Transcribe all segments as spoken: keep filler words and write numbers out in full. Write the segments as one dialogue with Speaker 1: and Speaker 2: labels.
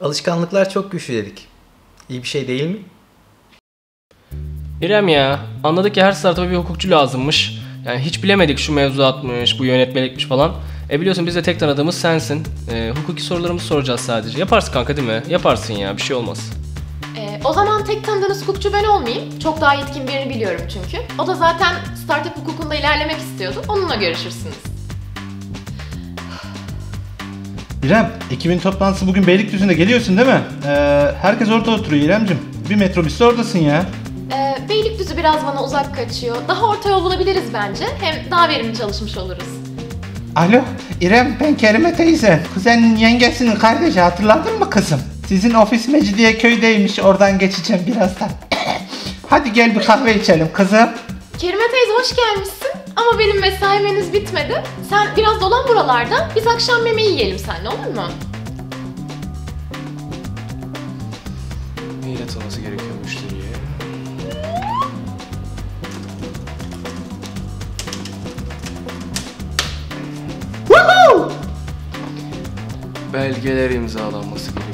Speaker 1: Alışkanlıklar çok güçlü dedik. İyi bir şey değil mi?
Speaker 2: İrem ya, anladık ki her startupa bir hukukçu lazımmış. Yani hiç bilemedik şu mevzuatmış, bu yönetmelikmiş falan. E biliyorsun biz de tek tanıdığımız sensin. E, hukuki sorularımızı soracağız sadece. Yaparsın kanka değil mi? Yaparsın ya, bir şey olmaz.
Speaker 3: Ee, o zaman tek tanıdığınız hukukçu ben olmayayım. Çok daha yetkin birini biliyorum çünkü. O da zaten startup hukukunda ilerlemek istiyordu. Onunla görüşürsünüz.
Speaker 4: İrem, ekibin toplantısı bugün Beylikdüzü'nde, geliyorsun değil mi? Ee, herkes orada oturuyor İremcim. Bir metrobüste oradasın ya.
Speaker 3: Ee, Beylikdüzü biraz bana uzak kaçıyor. Daha orta yol bulabiliriz bence. Hem daha verimli çalışmış oluruz.
Speaker 4: Alo, İrem, ben Kerime teyze. Kuzenin yengesinin kardeşi, hatırladın mı kızım? Sizin ofis Mecidiyeköy'deymiş, oradan geçeceğim birazdan. Hadi gel bir kahve içelim kızım.
Speaker 3: Kerime teyze hoş gelmişsin. Ama benim mesaim henüz bitmedi. Sen biraz dolan buralarda. Biz akşam yemeği yiyelim seninle, olur mu?
Speaker 2: Neyle tanıması gerekiyor müşteriye?
Speaker 4: Woohoo!
Speaker 2: Belgeler imzalanması gerekiyor.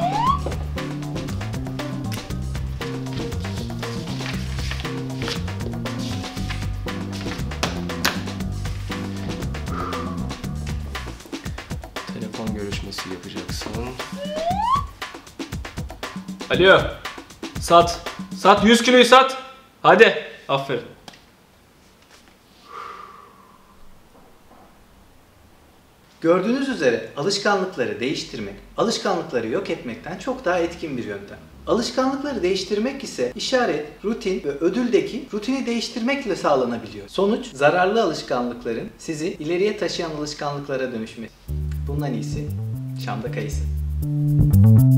Speaker 2: Telefon görüşmesi yapacaksın. Alo. Sat. Sat yüz kiloyu sat. Hadi. Aferin.
Speaker 1: Gördüğünüz üzere alışkanlıkları değiştirmek, alışkanlıkları yok etmekten çok daha etkin bir yöntem. Alışkanlıkları değiştirmek ise işaret, rutin ve ödüldeki rutini değiştirmekle sağlanabiliyor. Sonuç, zararlı alışkanlıkların sizi ileriye taşıyan alışkanlıklara dönüşmesi. Bundan iyisi Şam'da kayısı.